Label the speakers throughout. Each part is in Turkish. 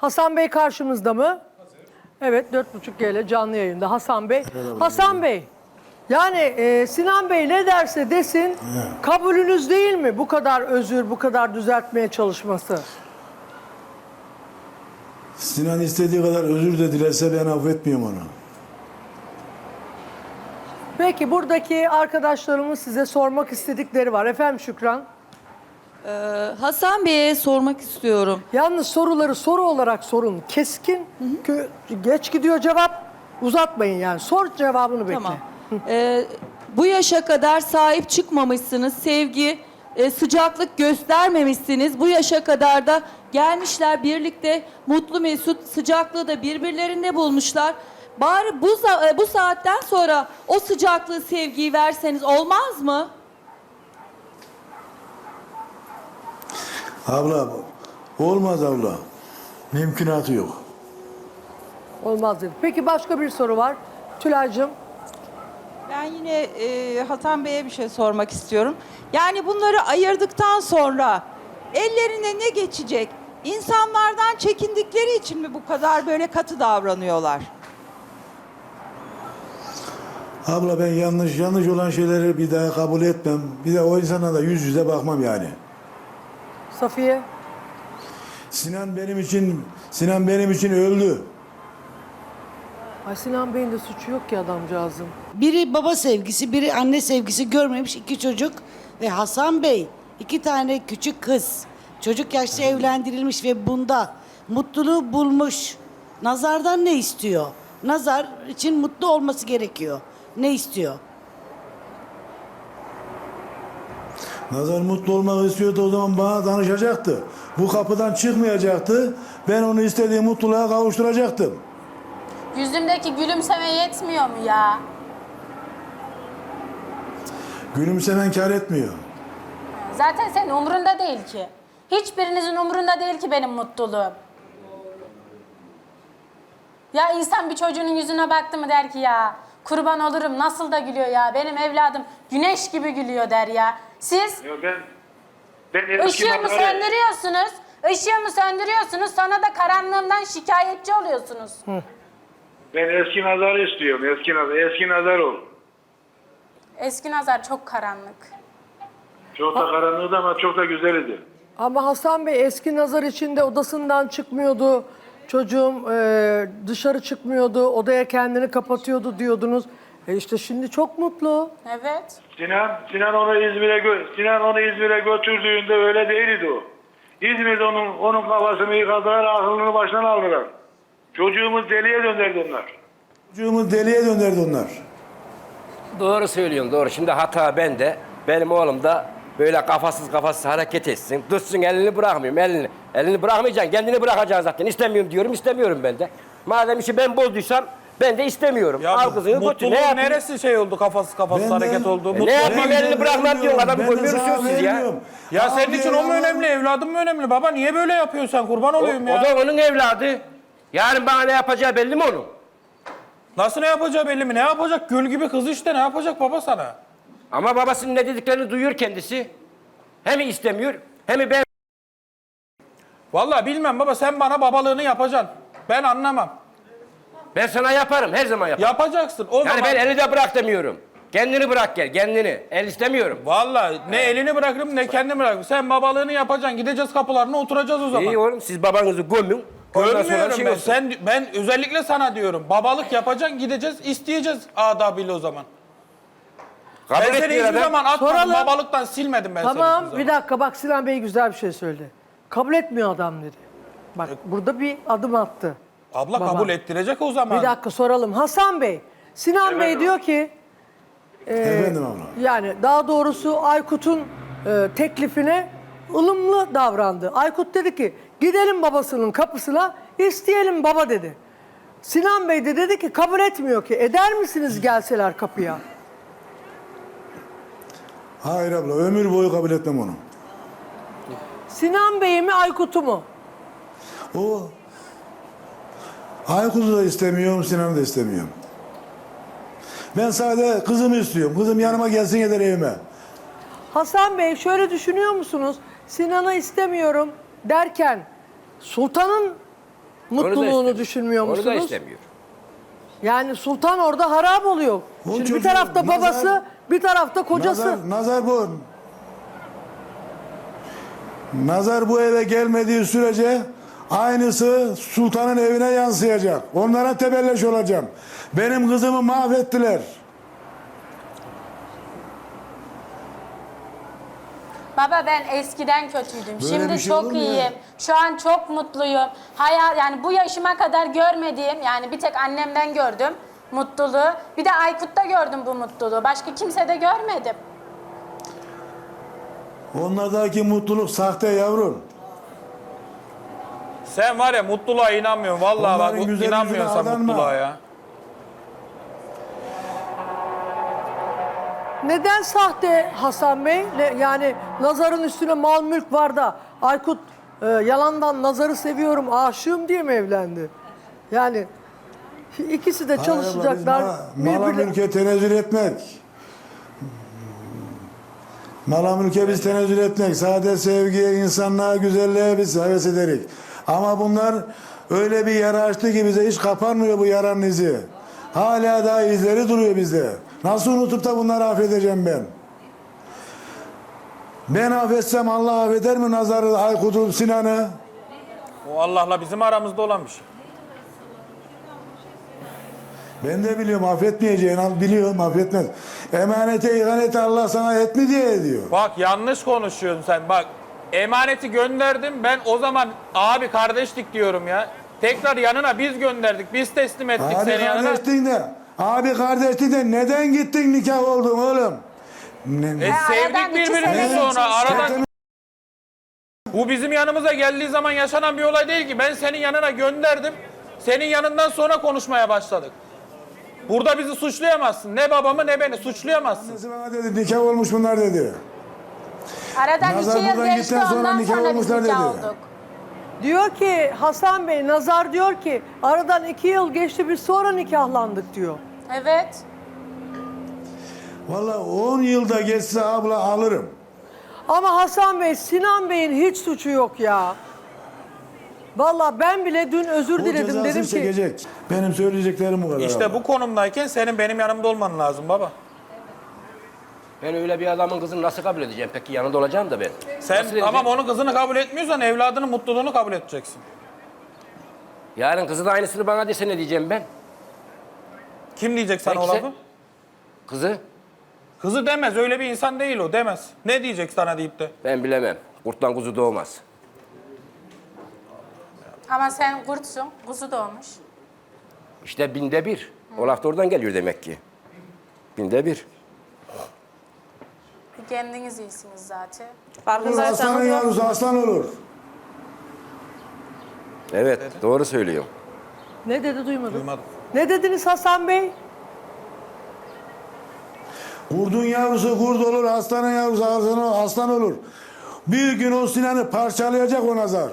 Speaker 1: Hasan Bey karşımızda mı? Evet, 4.5G ile canlı yayında Hasan Bey. Hasan Bey, yani Sinan Bey ne derse desin kabulünüz değil mi bu kadar özür, bu kadar düzeltmeye çalışması?
Speaker 2: Sinan istediği kadar özür de dilerse ben affetmiyorum onu.
Speaker 1: Peki buradaki arkadaşlarımın size sormak istedikleri var. Efendim Şükran?
Speaker 3: Hasan Bey'e sormak istiyorum.
Speaker 1: Yalnız soruları soru olarak sorun. Keskin, geç gidiyor cevap. Uzatmayın yani. Sor cevabını bekle.
Speaker 3: Tamam. Bu yaşa kadar sahip çıkmamışsınız. Sevgi, sıcaklık göstermemişsiniz. Bu yaşa kadar da gelmişler birlikte mutlu mesut sıcaklığı da birbirlerinde bulmuşlar. Bari bu saatten sonra o sıcaklığı, sevgiyi verseniz olmaz mı?
Speaker 2: Abla, olmaz abla. Mümkünatı yok.
Speaker 1: Olmaz dedi. Peki başka bir soru var. Tülay'cığım.
Speaker 4: Ben yine Hasan Bey'e bir şey sormak istiyorum. Yani bunları ayırdıktan sonra ellerine ne geçecek? İnsanlardan çekindikleri için mi bu kadar böyle katı davranıyorlar?
Speaker 2: Abla ben yanlış olan şeyleri bir daha kabul etmem. Bir de o insana da yüz yüze bakmam yani.
Speaker 1: Safiye.
Speaker 2: Sinan benim için öldü.
Speaker 1: Ay Sinan Bey'in de suçu yok ki adamcağızın.
Speaker 5: Biri baba sevgisi, biri anne sevgisi görmemiş iki çocuk. Ve Hasan Bey 2 tane küçük kız. Çocuk yaşta evlendirilmiş ve bunda mutluluğu bulmuş. Nazardan ne istiyor? Nazar için mutlu olması gerekiyor. Ne istiyor?
Speaker 2: Nazar mutlu olmak istiyordu, o zaman bana danışacaktı. Bu kapıdan çıkmayacaktı. Ben onu istediği mutluluğa kavuşturacaktım.
Speaker 6: Yüzündeki gülümseme yetmiyor mu ya?
Speaker 2: Gülümsemen kâr etmiyor.
Speaker 6: Zaten senin umurunda değil ki. Hiçbirinizin umurunda değil ki benim mutluluğum. Ya insan bir çocuğunun yüzüne baktı mı der ki ya kurban olurum nasıl da gülüyor ya. Benim evladım güneş gibi gülüyor der ya. Siz
Speaker 7: Ben
Speaker 6: ışığı mı söndürüyorsunuz? Işığı mı söndürüyorsunuz? Sonra da karanlığımdan şikayetçi oluyorsunuz.
Speaker 7: Ben eski nazarı istiyorum. Eski nazar ol.
Speaker 6: Eski nazar çok karanlık.
Speaker 7: Çok da karanlığı ama çok da güzeldi.
Speaker 1: Ama Hasan Bey eski nazar içinde odasından çıkmıyordu. Çocuğum dışarı çıkmıyordu. Odaya kendini kapatıyordu diyordunuz. İşte şimdi çok mutlu.
Speaker 6: Evet.
Speaker 7: Sinan onu İzmir'e götürdüğünde öyle değildi o. İzmir'de onun kafasını yıkadılar, aklını baştan aldılar. Çocuğumuz deliye döndürdü onlar.
Speaker 8: Doğru söylüyorsun, doğru. Şimdi hata bende. Benim oğlum da böyle kafasız hareket etsin. Dursun, elini bırakmıyorum, elini bırakmayacaksın, kendini bırakacaksın zaten. İstemiyorum diyorum, istemiyorum ben de. Madem işi ben bozduysam ben de istemiyorum.
Speaker 9: Ya
Speaker 8: al kızını götür.
Speaker 9: mutluluğun
Speaker 8: Ne yapayım?
Speaker 9: neresi şey oldu kafasız hareket oldu?
Speaker 8: Ne yapayım, elini bırakmam diyorsun, adamı görmüyorsunuz siz ya.
Speaker 9: Ya senin için o mu önemli, evladın mı önemli? Baba niye böyle yapıyorsun sen? Kurban olayım ya.
Speaker 8: O da onun evladı. Yarın bana ne yapacağı belli mi onun?
Speaker 9: Nasıl ne yapacağı belli mi? Ne yapacak? Gül gibi kız işte, ne yapacak baba sana?
Speaker 8: Ama babasının ne dediklerini duyuyor kendisi. Hem istemiyor, hem ben...
Speaker 9: Vallahi bilmem baba, sen bana babalığını yapacaksın. Ben anlamam.
Speaker 8: Ben sana yaparım, her zaman yaparım.
Speaker 9: Yapacaksın. O
Speaker 8: Yani
Speaker 9: zaman...
Speaker 8: ben eli de bırak demiyorum. Kendini bırak gel, kendini. El istemiyorum.
Speaker 9: Vallahi ne elini bırakırım ne kendimi bırakırım. Sen babalığını yapacaksın. Gideceğiz kapılarına, oturacağız o zaman.
Speaker 8: İyi oğlum, siz babanızı gömün. Ondan sonra
Speaker 9: Görmüyorum
Speaker 8: şey
Speaker 9: ben.
Speaker 8: olsun.
Speaker 9: Ben özellikle sana diyorum. Babalık yapacaksın, gideceğiz, isteyeceğiz adabıyla o zaman.
Speaker 8: Kabul
Speaker 9: Ben seni
Speaker 8: etmiyor
Speaker 9: hiçbir
Speaker 8: adam.
Speaker 9: zaman atmadım.
Speaker 1: Soralım.
Speaker 9: Babalıktan silmedim ben seni
Speaker 1: Tamam
Speaker 9: hiçbir
Speaker 1: bir
Speaker 9: zaman.
Speaker 1: dakika bak Sinan Bey güzel bir şey söyledi. Kabul etmiyor adam dedi. Bak burada bir adım attı.
Speaker 9: Abla
Speaker 1: Baba.
Speaker 9: kabul ettirecek o zaman.
Speaker 1: Bir dakika soralım. Hasan Bey, Sinan Bey diyor ki
Speaker 2: Efendim abla.
Speaker 1: yani daha doğrusu Aykut'un teklifine ılımlı davrandı. Aykut dedi ki gidelim babasının kapısına isteyelim baba dedi. Sinan Bey de dedi ki kabul etmiyor ki. Eder misiniz gelseler kapıya?
Speaker 2: Hayır abla, ömür boyu kabul etmem onu.
Speaker 1: Sinan Bey'i mi Aykut'u mu?
Speaker 2: O Aykut'u da istemiyorum, Sinan'ı da istemiyorum. Ben sadece kızımı istiyorum. Kızım yanıma gelsin yeter evime.
Speaker 1: Hasan Bey şöyle düşünüyor musunuz? Sinan'ı istemiyorum derken Sultan'ın mutluluğunu
Speaker 8: istemiyor.
Speaker 1: düşünmüyor
Speaker 8: Onu da
Speaker 1: musunuz?
Speaker 8: istemiyor.
Speaker 1: Yani sultan orada harap oluyor.
Speaker 2: O
Speaker 1: Şimdi bir
Speaker 2: çocuğu
Speaker 1: tarafta babası,
Speaker 2: nazar-
Speaker 1: bir tarafta kocası.
Speaker 2: Nazar bu. Nazar bu eve gelmediği sürece aynısı sultanın evine yansıyacak. Onlara tebelleş olacağım. Benim kızımı mahvettiler.
Speaker 6: Baba ben eskiden kötüydüm.
Speaker 2: Böyle
Speaker 6: Şimdi
Speaker 2: bir şey olur
Speaker 6: çok
Speaker 2: mu ya?
Speaker 6: iyiyim. Şu an çok mutluyum. Hayal yani bu yaşıma kadar görmediğim yani bir tek annemden gördüm mutluluğu. Bir de Aykut'ta gördüm bu mutluluğu. Başka kimsede görmedim.
Speaker 2: Onlardaki mutluluk sahte yavrum.
Speaker 9: Sen var ya mutluluğa inanmıyorsun. Vallahi
Speaker 2: Onların
Speaker 9: bak
Speaker 2: güzel
Speaker 9: inanmıyorsun
Speaker 2: yüzüne
Speaker 9: sen
Speaker 2: aldanma.
Speaker 9: mutluluğa ya.
Speaker 1: Neden sahte Hasan Bey? Yani Nazar'ın üstüne mal mülk var da Aykut yalandan Nazar'ı seviyorum, aşığım diye mi evlendi? Yani ikisi de çalışacaklar.
Speaker 2: Mala
Speaker 1: birbirine-
Speaker 2: mülke tenezzül etmek. Mala mülke biz tenezzül etmek. Sade sevgiye, insanlığa, güzelliğe biz heves ederik. Ama bunlar öyle bir yara açtı ki bize hiç kapanmıyor bu yaranın izi. Hala daha izleri duruyor bizde. Nasıl unutup da bunları affedeceğim ben? Ben affetsem Allah affeder mi Nazar'ı, Aykut'u, Sinan'ı?
Speaker 9: O Allah'la bizim aramızda olan bir şey.
Speaker 2: Ben de biliyorum affetmeyeceğini, biliyorum affetmez. Emanete, ihanete Allah sana et mi diye ediyor.
Speaker 9: Bak yanlış konuşuyorsun sen. Bak emaneti gönderdim. Ben o zaman abi kardeşlik diyorum ya. Tekrar yanına biz gönderdik. Biz teslim ettik
Speaker 2: Abi
Speaker 9: seni yanına.
Speaker 2: kardeştin de neden gittin nikah oldun oğlum?
Speaker 9: Sevdik
Speaker 6: aradan 2
Speaker 9: birbirimizi
Speaker 6: sene
Speaker 9: sonra.
Speaker 6: geçmiş.
Speaker 9: Aradan... Bu bizim yanımıza geldiği zaman yaşanan bir olay değil ki. Ben senin yanına gönderdim. Senin yanından sonra konuşmaya başladık. Burada bizi suçlayamazsın. Ne babamı ne beni suçlayamazsın.
Speaker 2: Annesi bana dedi nikah olmuş bunlar dedi.
Speaker 6: Aradan
Speaker 2: Nazar
Speaker 6: 2 yıl
Speaker 2: buradan
Speaker 6: geçti
Speaker 2: gittikten sonra
Speaker 6: ondan
Speaker 2: nikah
Speaker 6: sonra biz
Speaker 2: olmuşlar
Speaker 6: nikah
Speaker 2: dedi.
Speaker 6: olduk.
Speaker 1: Diyor ki Hasan Bey, Nazar diyor ki aradan 2 yıl geçti biz sonra nikahlandık diyor.
Speaker 6: Evet.
Speaker 2: Vallahi 10 yılda geçse abla alırım.
Speaker 1: Ama Hasan Bey, Sinan Bey'in hiç suçu yok ya. Vallahi ben bile dün özür
Speaker 2: O
Speaker 1: diledim
Speaker 2: cezasını
Speaker 1: dedim ki
Speaker 2: çekecek. Benim söyleyeceklerim bu kadar.
Speaker 9: İşte
Speaker 2: abla.
Speaker 9: bu konumdayken senin benim yanımda olman lazım baba.
Speaker 8: Ben öyle bir adamın kızını nasıl kabul edeceğim? Peki yanında olacağım da ben.
Speaker 9: Sen
Speaker 8: Nasıl edeceğim?
Speaker 9: tamam onun kızını kabul etmiyorsan evladının mutluluğunu kabul edeceksin.
Speaker 8: Yarın kızı da aynısını bana dese ne diyeceğim ben?
Speaker 9: Kim diyecek sana o
Speaker 8: Peki
Speaker 9: lafı?
Speaker 8: Kızı
Speaker 9: Kızı demez, öyle bir insan değil o, demez. Ne diyecek sana deyip de?
Speaker 8: ben bilemem. Kurttan kuzu doğmaz.
Speaker 6: Ama sen kurtsun, kuzu doğmuş.
Speaker 8: İşte 1/1000. O laf da oradan geliyor demek ki. 1/1000.
Speaker 6: Kendiniz iyisiniz zaten.
Speaker 2: Aslanın yavrusu aslan olur.
Speaker 8: Evet, doğru söylüyorum.
Speaker 1: ne dedi duymadım.
Speaker 9: Duymadım.
Speaker 1: Ne dediniz Hasan Bey?
Speaker 2: Kurdun yavrusu kurt olur, aslanın yavrusu aslan olur. Bir gün o Sinan'ı parçalayacak o Nazar.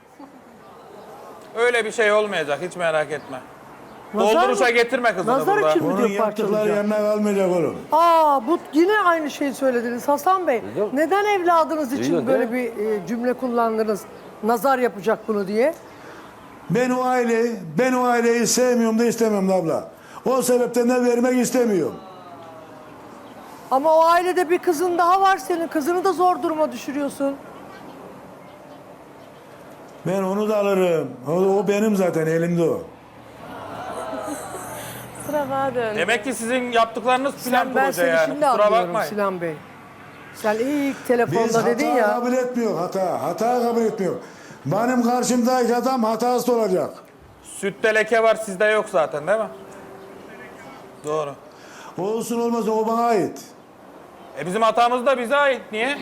Speaker 9: Öyle bir şey olmayacak, hiç merak etme.
Speaker 1: Nazar
Speaker 9: Dolduruşa
Speaker 1: mı?
Speaker 9: getirme kızını
Speaker 1: Nazar
Speaker 9: burada.
Speaker 1: için mi
Speaker 2: Onun
Speaker 1: diyor
Speaker 2: yaptıkları
Speaker 1: parçalayacak?
Speaker 2: yanına kalmayacak oğlum.
Speaker 1: Bu yine aynı şeyi söylediniz Hasan Bey.
Speaker 8: Duydum.
Speaker 1: Neden evladınız için
Speaker 8: Duydun,
Speaker 1: böyle
Speaker 8: değil
Speaker 1: bir cümle kullandınız? Nazar yapacak bunu diye.
Speaker 2: Ben o aileyi sevmiyorum da istemiyorum da abla. O sebepten de vermek istemiyorum.
Speaker 1: Ama o ailede bir kızın daha var senin. Kızını da zor duruma düşürüyorsun.
Speaker 2: Ben onu da alırım. O benim zaten elimde o.
Speaker 6: Sıra bana döndü.
Speaker 9: Demek ki sizin yaptıklarınız plan
Speaker 1: Ben
Speaker 9: proje
Speaker 1: seni
Speaker 9: yani.
Speaker 1: şimdi
Speaker 9: Kusura
Speaker 1: anlıyorum
Speaker 9: bakmayın.
Speaker 1: Sinan Bey. Sen ilk
Speaker 2: Biz
Speaker 1: telefonda
Speaker 2: hata
Speaker 1: dedin ya.
Speaker 2: kabul etmiyor hata. Hata kabul etmiyor. Benim karşımdaki adam hatasız olacak.
Speaker 9: Sütte leke var, sizde yok zaten değil mi? Doğru.
Speaker 2: Olsun olmasın o bana ait.
Speaker 9: Bizim hatamız da bize ait. Niye?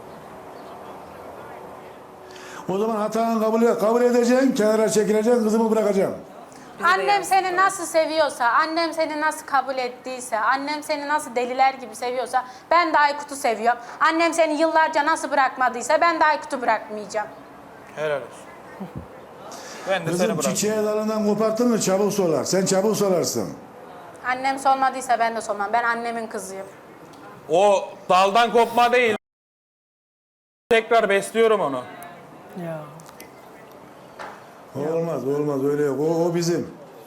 Speaker 2: O zaman hatanı kabul edeceksin, kenara çekileceksin, kızımı bırakacaksın.
Speaker 6: Annem seni nasıl seviyorsa, annem seni nasıl kabul ettiyse, annem seni nasıl deliler gibi seviyorsa ben de Aykut'u seviyorum. Annem seni yıllarca nasıl bırakmadıysa ben de Aykut'u bırakmayacağım.
Speaker 9: Helal olsun. Ben de seni
Speaker 2: Kızım
Speaker 9: bırakayım.
Speaker 2: çiçeği dalından koparttın mı çabuk solar. Sen çabuk solarsın.
Speaker 6: Annem solmadıysa ben de solmam. Ben annemin kızıyım.
Speaker 9: O daldan kopma değil. Tekrar besliyorum onu.
Speaker 1: Ya.
Speaker 2: Olmaz öyle yok. O bizim.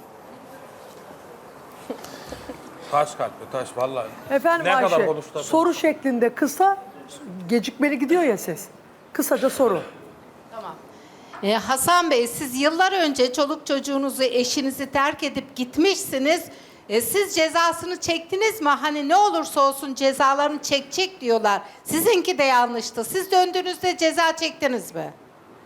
Speaker 9: Taş kalpli taş vallahi.
Speaker 1: Efendim
Speaker 9: Ne kadar
Speaker 1: Ayşe,
Speaker 9: konuştu?
Speaker 1: soru şeklinde kısa, gecikmeli gidiyor ya ses. Kısaca soru.
Speaker 10: Hasan Bey, siz yıllar önce çoluk çocuğunuzu, eşinizi terk edip gitmişsiniz. Siz cezasını çektiniz mi? Hani ne olursa olsun cezalarını çekecek diyorlar. Sizinki de yanlıştı. Siz döndüğünüzde ceza çektiniz mi?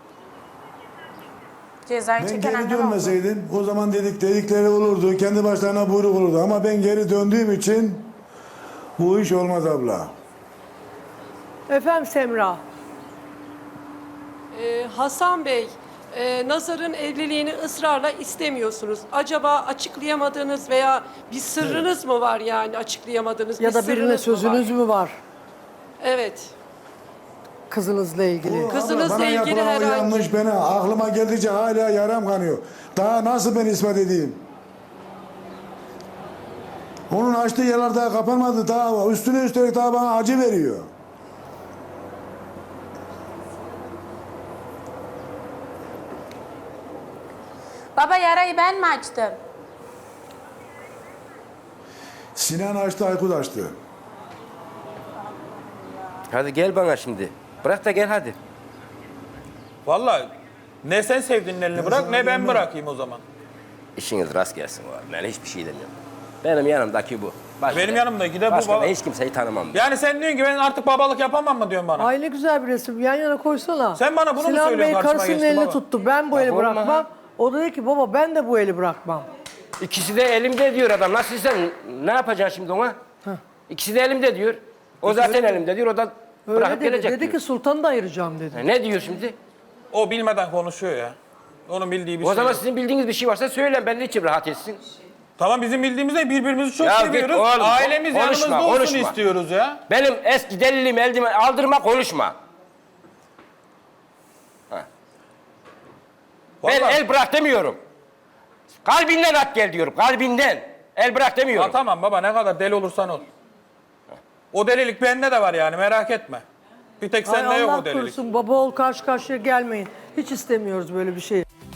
Speaker 6: Cezayı
Speaker 2: Ben
Speaker 6: çeken
Speaker 2: geri
Speaker 6: annem oldu.
Speaker 2: dönmeseydim o zaman dedikleri olurdu. Kendi başlarına buyruk olurdu. Ama ben geri döndüğüm için bu iş olmaz abla.
Speaker 1: Efendim Semra.
Speaker 11: Hasan Bey, Nazar'ın evliliğini ısrarla istemiyorsunuz. Acaba açıklayamadığınız veya bir sırrınız mı var yani açıklayamadığınız
Speaker 1: Ya
Speaker 11: bir
Speaker 1: da
Speaker 11: sırrınız
Speaker 1: birine
Speaker 11: mı
Speaker 1: sözünüz
Speaker 11: var?
Speaker 1: mü var
Speaker 11: Evet.
Speaker 1: kızınızla ilgili?
Speaker 11: Kızınızla
Speaker 2: Abla, bana
Speaker 11: ilgili
Speaker 2: yapılan o
Speaker 11: herhangi-
Speaker 2: yanlış bana aklıma geldikçe hala yaram kanıyor. Daha nasıl ben ispat edeyim? Onun açtığı yerler daha kapanmadı. Daha üstüne üstelik daha bana acı veriyor.
Speaker 6: Baba yarayı ben mi açtım?
Speaker 2: Sinan açtı, Aykut açtı.
Speaker 8: Hadi gel bana şimdi. Bırak da gel hadi.
Speaker 9: Vallahi ne sen sevdiğinin elini bırak
Speaker 2: sana
Speaker 9: ne ben
Speaker 2: diyeyim
Speaker 9: bırakayım o zaman.
Speaker 8: İşiniz rast gelsin var. Ben hiçbir şey demiyorum. Benim yanımdaki bu. Başka
Speaker 9: Benim
Speaker 8: da-
Speaker 9: yanımdaki de bu
Speaker 8: başka da
Speaker 9: baba.
Speaker 8: hiç kimseyi tanımam.
Speaker 9: Yani sen diyorsun ki ben artık babalık yapamam mı diyorsun bana?
Speaker 1: Ay ne güzel bir resim. Yan yana koysana.
Speaker 9: Sen bana bunu mu
Speaker 1: Sinan
Speaker 9: söylüyorsun
Speaker 1: Bey
Speaker 9: karşıma
Speaker 1: karısının
Speaker 9: geçti
Speaker 1: elini
Speaker 9: baba?
Speaker 1: tuttu. Ben bu eli
Speaker 8: olma
Speaker 1: bırakmam.
Speaker 8: ha.
Speaker 1: O da dedi ki baba ben de bu eli bırakmam.
Speaker 8: İkisi de elimde diyor adam. Nasıl sen ne yapacaksın şimdi ona? İkisi de elimde diyor. O zaten elimde diyor. O da
Speaker 1: Öyle
Speaker 8: bırakıp
Speaker 1: dedi.
Speaker 8: gelecek
Speaker 1: Dedi
Speaker 8: diyor.
Speaker 1: ki sultanı da ayıracağım dedi.
Speaker 8: Ne diyor şimdi?
Speaker 9: O bilmeden konuşuyor ya. Onun bildiği bir
Speaker 8: O
Speaker 9: şey
Speaker 8: zaman
Speaker 9: yok.
Speaker 8: sizin bildiğiniz bir şey varsa söyleyin. Ben de içim rahat etsin.
Speaker 9: Tamam bizim bildiğimizde birbirimizi çok
Speaker 8: Ya git
Speaker 9: seviyoruz.
Speaker 8: oğlum,
Speaker 9: Ailemiz
Speaker 8: konuşma,
Speaker 9: yanımızda olsun
Speaker 8: konuşma.
Speaker 9: istiyoruz ya.
Speaker 8: Benim eski delilimi eldime aldırma, konuşma. Ha. Ben
Speaker 9: Vallahi-
Speaker 8: el bırak demiyorum. Kalbinden at gel diyorum. Kalbinden. El bırak demiyorum.
Speaker 9: Ha, tamam baba ne kadar deli olursan ol. O delilik bende de var yani merak etme. Bir tek
Speaker 1: Ay
Speaker 9: sende yok
Speaker 1: Allah
Speaker 9: o delilik.
Speaker 1: korusun baba ol karşı karşıya gelmeyin. Hiç istemiyoruz böyle bir şey.